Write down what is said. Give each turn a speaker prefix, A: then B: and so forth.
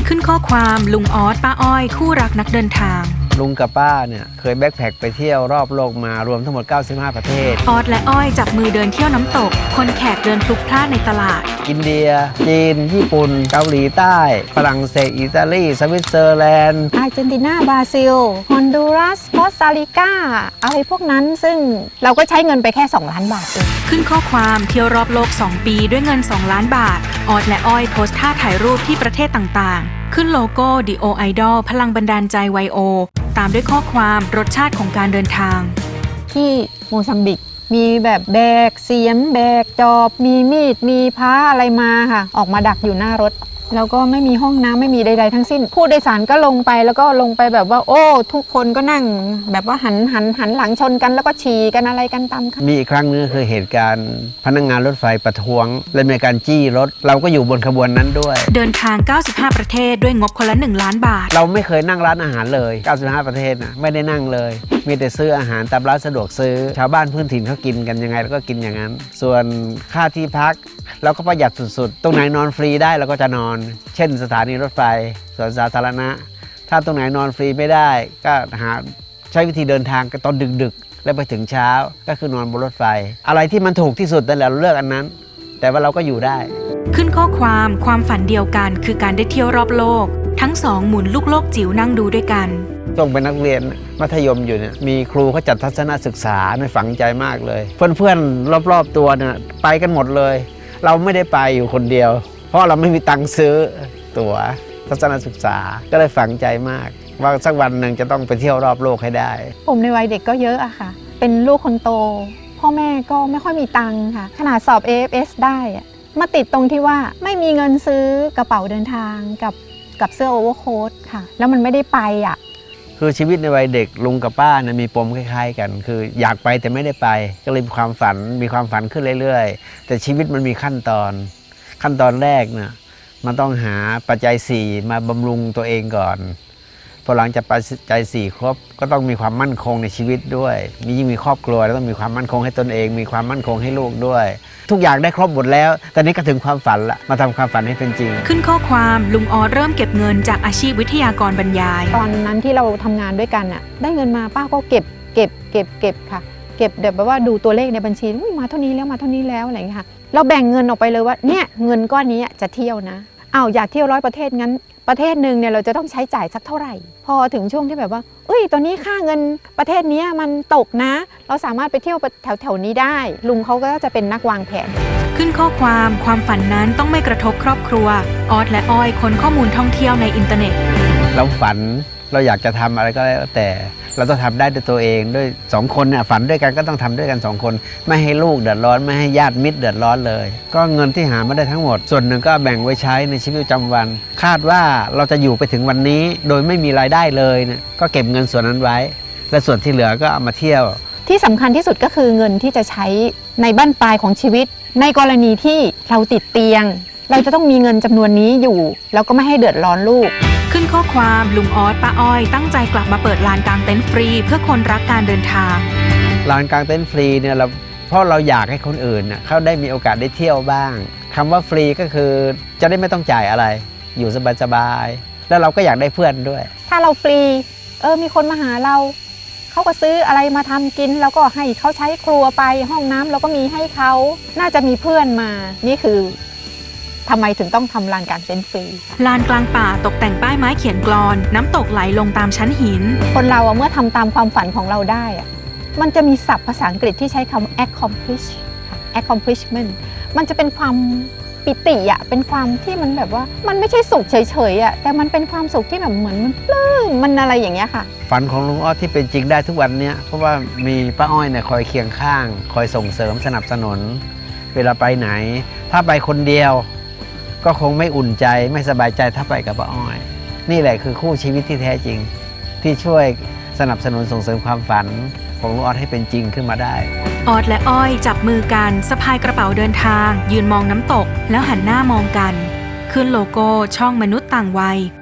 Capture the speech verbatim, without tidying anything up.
A: ขึ้นข้อความลุงออสป้าอ้อยคู่รักนักเดินทาง
B: ลุงกับป้าเนี่ยเคยแบ็คแพคไปเที่ยวรอบโลกมารวมทั้งหมดเก้าสิบห้าประเทศ
A: ออสและอ้อยจับมือเดินเที่ยวน้ำตกคนแขกเดินพลุกพล่านในตลาด
B: อินเดียจีนญี่ปุ่นเกาหลีใต้ฝรั่งเศสอิตาลีสวิตเซอร์แลนด์
C: อาร์เจนตินาบราซิลฮอนดูรัสคอสตาริกาอะไรพวกนั้นซึ่งเราก็ใช้เงินไปแค่สองล้านบาทเอง
A: ขึ้นข้อความเที่ยวรอบโลกสองปีด้วยเงินสองล้านบาทออสและอ้อยโพสท่าถ่ายรูปที่ประเทศต่างๆขึ้นโลโก้ ดี โอ Idol พลังบันดาลใจไวโอตามด้วยข้อความรสชาติของการเดินทาง
C: ที่โมซัมบิกมีแบบแบกเสียมแบกจอบมีมีดมีพ้าอะไรมาค่ะออกมาดักอยู่หน้ารถแล้วก็ไม่มีห้องน้ำไม่มีใดๆทั้งสิ้นผู้โดยสารก็ลงไปแล้วก็ลงไปแบบว่าโอ้ทุกคนก็นั่งแบบว่าหันหันหันหลังชนกันแล้วก็ฉี่กันอะไรกันตามค่ะ
B: มีอีกครั้งนึงคือเหตุการณ์พนักงานรถไฟประท้วงและมีการจี้รถเราก็อยู่บนขบวนนั้นด้วย
A: เดินทางเก้าสิบห้าประเทศด้วยงบคนละหนึ่งล้านบาท
B: เราไม่เคยนั่งร้านอาหารเลยเก้าสิบห้าประเทศนะไม่ได้นั่งเลยมีแต่ซื้ออาหารตามร้านสะดวกซื้อชาวบ้านพื้นถิ่นเขากินกันยังไงแล้วก็กินอย่างนั้นส่วนค่าที่พักเราก็ประหยัดสุดๆตรงไหนนอนฟรีได้เราก็จะนอนเช่นสถานีรถไฟสวนสาธารณะถ้าตรงไหนนอนฟรีไม่ได้ก็หาใช้วิธีเดินทางตอนดึกๆแล้วไปถึงเช้าก็คือนอนบนรถไฟอะไรที่มันถูกที่สุดนั่นแหละเราเลือกอันนั้นแต่ว่าเราก็อยู่ได้
A: ขึ้นข้อความความฝันเดียวกันคือการได้เที่ยวรอบโลกทั้งสองหมุนลูกโลกจิ๋วนั่งดูด้วยกัน
B: ต้องเป็นนักเรียนมัธยมอยู่เนี่ยมีครูเขาจัดทัศนศึกษาในฝังใจมากเลยเพื่อนๆรอบๆตัวเนี่ยไปกันหมดเลยเราไม่ได้ไปอยู่คนเดียวเพราะเราไม่มีตังค์ซื้อตั๋วทัศนศึกษาก็เลยฝังใจมากว่าสักวันหนึ่งจะต้องไปเที่ยวรอบโลกให้ได้
C: ผมในวัยเด็กก็เยอะอะค่ะเป็นลูกคนโตพ่อแม่ก็ไม่ค่อยมีตังค์ค่ะขนาดสอบ เอ เอฟ เอส ได้มาติดตรงที่ว่าไม่มีเงินซื้อกระเป๋าเดินทางกับกับเสื้อโอเวอร์โค้ทค่ะแล้วมันไม่ได้ไปอ่ะ
B: คือชีวิตในวัยเด็กลุงกับป้านะมีปมคล้ายๆกันคืออยากไปแต่ไม่ได้ไปก็เลยมีความฝันมีความฝันขึ้นเรื่อยๆแต่ชีวิตมันมีขั้นตอนขั้นตอนแรกเนี่ยมันต้องหาปัจจัยสี่มาบำรุงตัวเองก่อนพอหลังจากปัจจัยสี่ครบก็ต้องมีความมั่นคงในชีวิตด้วยมียิ่งมีครอบครัวแล้วต้องมีความมั่นคงให้ตนเองมีความมั่นคงให้ลูกด้วยทุกอย่างได้ครบหมดแล้วตอนนี้ก็ถึงความฝันละมาทำความฝันให้เป็นจริง
A: ขึ้นข้อความลุงออสเริ่มเก็บเงินจากอาชีพวิทยากรบรรยาย
C: ตอนนั้นที่เราทำงานด้วยกันน่ะได้เงินมาป้าก็เก็บเก็บเก็บเก็บค่ะเก็บแบบว่าดูตัวเลขในบัญชีมาเท่านี้แล้วมาเท่านี้แล้วอะไรอย่างเงี้ยค่ะเราแบ่งเงินออกไปเลยว่าเนี่ยเงินก้อนนี้จะเที่ยวนะอ้าวอยากเที่ยวร้อยประเทศงั้นประเทศหนึ่งเนี่ยเราจะต้องใช้จ่ายสักเท่าไหร่พอถึงช่วงที่แบบว่าเอ้ยตอนนี้ค่าเงินประเทศนี้มันตกนะเราสามารถไปเที่ยวแถวแถวนี้ได้ลุงเขาก็จะเป็นนักวางแผน
A: ขึ้นข้อความความฝันนั้นต้องไม่กระทบครอบครัวออสและอ้อยค้นข้อมูลท่องเที่ยวในอินเทอร์เน็ต
B: เราฝันเราอยากจะทำอะไรก็แล้วแต่เราต้องทำได้ด้วยตัวเองด้วยสองคนเนี่ยฝันด้วยกันก็ต้องทำด้วยกันสองคนไม่ให้ลูกเดือดร้อนไม่ให้ญาติมิตรเดือดร้อนเลยก็เงินที่หามาได้ทั้งหมดส่วนหนึ่งก็แบ่งไว้ใช้ในชีวิตประจำวันคาดว่าเราจะอยู่ไปถึงวันนี้โดยไม่มีรายได้เลยเนี่ยก็เก็บเงินส่วนนั้นไว้และส่วนที่เหลือก็เอามาเที่ยว
C: ที่สำคัญที่สุดก็คือเงินที่จะใช้ในบั้นปลายของชีวิตในกรณีที่เราติดเตียงเราจะต้องมีเงินจำนวนนี้อยู่แล้วก็ไม่ให้เดือดร้อนลูก
A: ขึ้นข้อความลุงออสป้าอ้อยตั้งใจกลับมาเปิดลานกลางเต็นท์ฟรีเพื่อคนรักการเดินทาง
B: ลานกลางเต็นท์ฟรีเนี่ยเราเพราะเราอยากให้คนอื่นเน่ยเขาได้มีโอกาสได้เที่ยวบ้างคำว่าฟรีก็คือจะได้ไม่ต้องจ่ายอะไรอยู่สบายๆแล้วเราก็อยากได้เพื่อนด้วย
C: ถ้าเราฟรีเออมีคนมาหาเราเขาก็ซื้ออะไรมาทำกินแล้วก็ให้เขาใช้ครัวไปห้องน้ำเราก็มีให้เขาน่าจะมีเพื่อนมานี่คือทำไมถึงต้องทำลานกลางเต็นท์ฟรี
A: ลานกลางป่าตกแต่งป้ายไม้เขียนกลอนน้ำตกไหลลงตามชั้นหิน
C: คนเราเมื่อทำตามความฝันของเราได้มันจะมีศัพท์ภาษาอังกฤษที่ใช้คำ accomplish accomplishment มันจะเป็นความปิติอะเป็นความที่มันแบบว่ามันไม่ใช่สุขเฉยๆอะแต่มันเป็นความสุขที่แบบเหมือนมันปลื้มมันอะไรอย่างเงี้ยค่ะ
B: ฝันของลุงอ้อที่เป็นจริงได้ทุกวันนี้เพราะว่ามีป้าอ้อยเนี่ยคอยเคียงข้างคอยส่งเสริมสนับสนุนเวลาไปไหนถ้าไปคนเดียวก็คงไม่อุ่นใจไม่สบายใจถ้าไปกับป้าอ้อยนี่แหละคือคู่ชีวิตที่แท้จริงที่ช่วยสนับสนุนส่งเสริมความฝันของลุงออสให้เป็นจริงขึ้นมาได้
A: ออสและอ้อยจับมือกันสะพายกระเป๋าเดินทางยืนมองน้ำตกแล้วหันหน้ามองกันขึ้นโลโก้ช่องมนุษย์ต่างวัย